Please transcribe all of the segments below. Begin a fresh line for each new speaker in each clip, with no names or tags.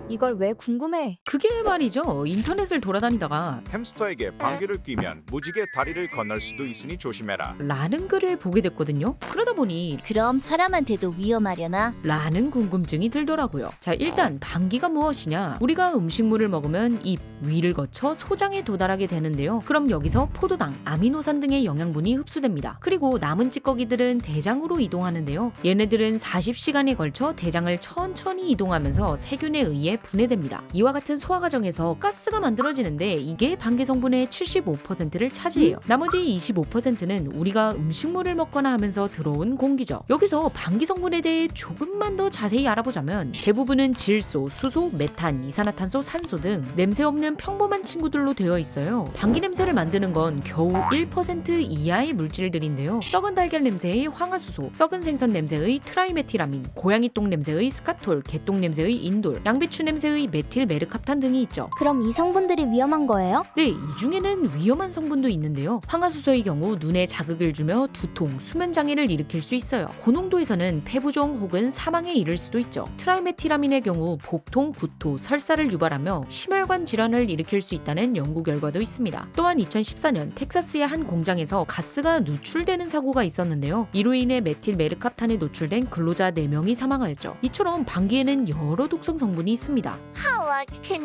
이걸 왜 궁금해?
그게 말이죠. 인터넷을 돌아다니다가
햄스터에게 방귀를 뀌면 무지개 다리를 건널 수도 있으니 조심해라.
라는 글을 보게 됐거든요. 그러다 보니
그럼 사람한테도 위험하려나?
라는 궁금증이 들더라고요. 자, 일단 방귀가 무엇이냐? 우리가 음식물을 먹으면 입, 위를 거쳐 소장에 도달하게 되는데요. 그럼 여기서 포도당, 아미노산 등의 영양분이 흡수됩니다. 그리고 남은 찌꺼기들은 대장으로 이동하는데요. 얘네들은 40시간에 걸쳐 대장을 천천히 이동하면서 세균에 의해 분해됩니다. 이와 같은 소화 과정에서 가스가 만들어지는데 이게 방귀 성분의 75%를 차지해요. 나머지 25%는 우리가 음식물을 먹거나 하면서 들어온 공기죠. 여기서 방귀 성분에 대해 조금만 더 자세히 알아보자면 대부분은 질소, 수소, 메탄, 이산화탄소, 산소 등 냄새 없는 평범한 친구들로 되어 있어요. 방귀 냄새를 만드는 건 겨우 1% 이하의 물질들인데요. 썩은 달걀 냄새의 황화수소, 썩은 생선 냄새의 트라이메티라민, 고양이 똥 냄새의 스카톨, 개똥 냄새의 인돌, 양배추 냄새의 메틸 메르캅탄 등이 있죠.
그럼 이 성분들이 위험한 거예요?
네, 이 중에는 위험한 성분도 있는데요. 황화수소의 경우 눈에 자극을 주며 두통, 수면 장애를 일으킬 수 있어요. 고농도에서는 폐부종 혹은 사망에 이를 수도 있죠. 트라이메티라민의 경우 복통, 구토, 설사를 유발하며 심혈관 질환을 일으킬 수 있다는 연구 결과도 있습니다. 또한 2014년 텍사스의 한 공장에서 가스가 누출되는 사고가 있었는데요. 이로 인해 메틸 메르캅탄에 노출된 근로자 4명이 사망하였죠. 이처럼 방귀에는 여러 독성 성분이 있습니다.
하와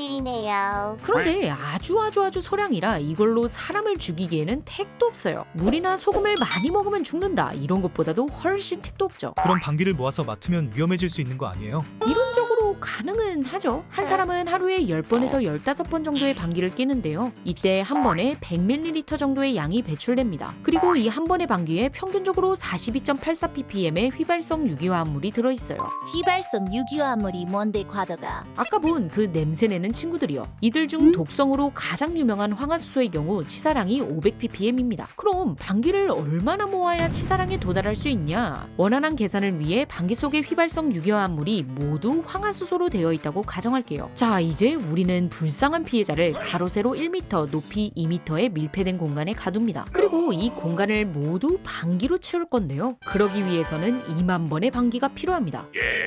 큰일이네요.
그런데 아주 소량이라 이걸로 사람을 죽이기에는 택도 없어요. 물이나 소금을 많이 먹으면 죽는다 이런 것보다도 훨씬 택도 없죠.
그럼 방귀를 모아서 맡으면 위험해질 수 있는 거 아니에요?
이론적으로 가능은 하죠. 한 사람은 하루에 10번에서 15번 정도의 방귀를 뀌는데요. 이때 한 번에 100ml 정도의 양이 배출됩니다. 그리고 이 한 번의 방귀에 평균적으로 42.84ppm의 휘발성 유기화합물이 들어있어요.
휘발성 유기화합물이 뭔데 과도가?
아까 본 그 냄새내는 친구들이요. 이들 중 독성으로 가장 유명한 황화수소의 경우 치사량이 500ppm입니다. 그럼 방귀를 얼마나 모아야 치사량에 도달할 수 있냐? 원활한 계산을 위해 방귀 속의 휘발성 유기화합물이 모두 황화수소로 되어 있다고 가정할게요. 자, 이제 우리는 불쌍한 피해자를 가로 세로 1m, 높이 2m의 밀폐된 공간에 가둡니다. 그리고 이 공간을 모두 방귀로 채울 건데요. 그러기 위해서는 2만 번의 방귀가 필요합니다.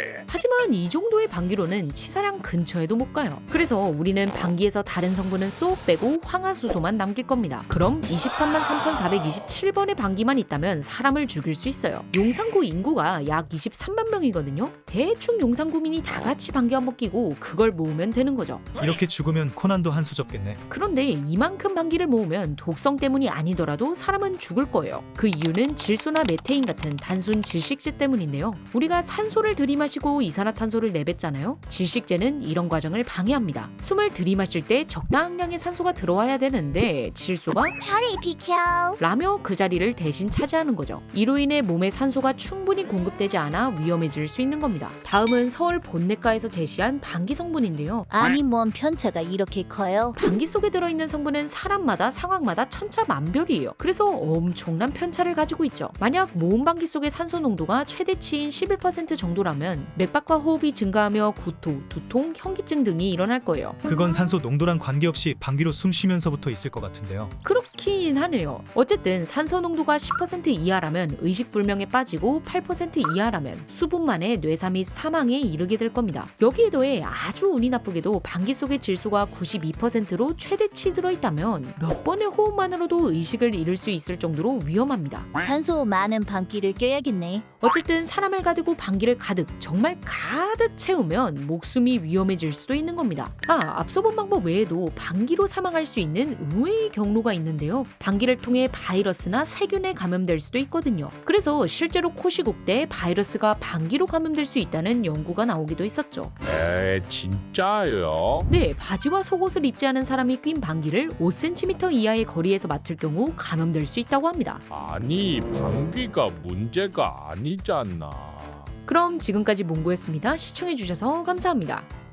하지만 이 정도의 방귀로는 치사량 근처에도 못 가요. 그래서 우리는 방귀에서 다른 성분은 쏙 빼고 황화수소만 남길 겁니다. 그럼 23만 3,427번의 방귀만 있다면 사람을 죽일 수 있어요. 용산구 인구가 약 23만 명이거든요. 대충 용산구민이 다 같이 방귀 한번 끼고 그걸 모으면 되는 거죠.
이렇게 죽으면 코난도 한 수 접겠네.
그런데 이만큼 방귀를 모으면 독성 때문이 아니더라도 사람은 죽을 거예요. 그 이유는 질소나 메테인 같은 단순 질식제 때문인데요. 우리가 산소를 들이마시고 이산화탄소를 내뱉잖아요. 질식제는 이런 과정을 방해합니다. 숨을 들이마실 때 적당량의 산소가 들어와야 되는데 질소가
저리 비켜.
라며 그 자리를 대신 차지하는 거죠. 이로 인해 몸에 산소가 충분히 공급되지 않아 위험해질 수 있는 겁니다. 다음은 서울 본내과에서 제시한 방귀 성분인데요.
아니 뭔 편차가 이렇게 커요?
방귀 속에 들어있는 성분은 사람마다 상황마다 천차만별이에요. 그래서 엄청난 편차를 가지고 있죠. 만약 모은 방귀 속의 산소 농도가 최대치인 11% 정도라면 맥박과 호흡이 증가하며 구토, 두통, 현기증 등이 일어날 거예요.
그건 산소 농도랑 관계없이 방귀로 숨 쉬면서부터 있을 것 같은데요.
그렇긴 하네요. 어쨌든 산소 농도가 10% 이하라면 의식불명에 빠지고 8% 이하라면 수분 만에 뇌사 및 사망에 이르게 될 겁니다. 여기에 더해 아주 운이 나쁘게도 방귀 속의 질소가 92%로 최대치 들어있다면 몇 번의 호흡만으로도 의식을 잃을 수 있을 정도로 위험합니다.
산소 많은 방귀를 껴야겠네.
어쨌든 사람을 가두고 방귀를 가득, 정말 가득 채우면 목숨이 위험해질 수도 있는 겁니다. 앞서 본 방법 외에도 방귀로 사망할 수 있는 의외의 경로가 있는데요. 방귀를 통해 바이러스나 세균에 감염될 수도 있거든요. 그래서 실제로 코시국 때 바이러스가 방귀로 감염될 수 있다는 연구가 나오기도 했었죠.
진짜요?
네, 바지와 속옷을 입지 않은 사람이 낀 방귀를 5cm 이하의 거리에서 맡을 경우 감염될 수 있다고 합니다.
아니, 방귀가 문제가 아니잖아.
그럼 지금까지 몽고였습니다. 시청해주셔서 감사합니다.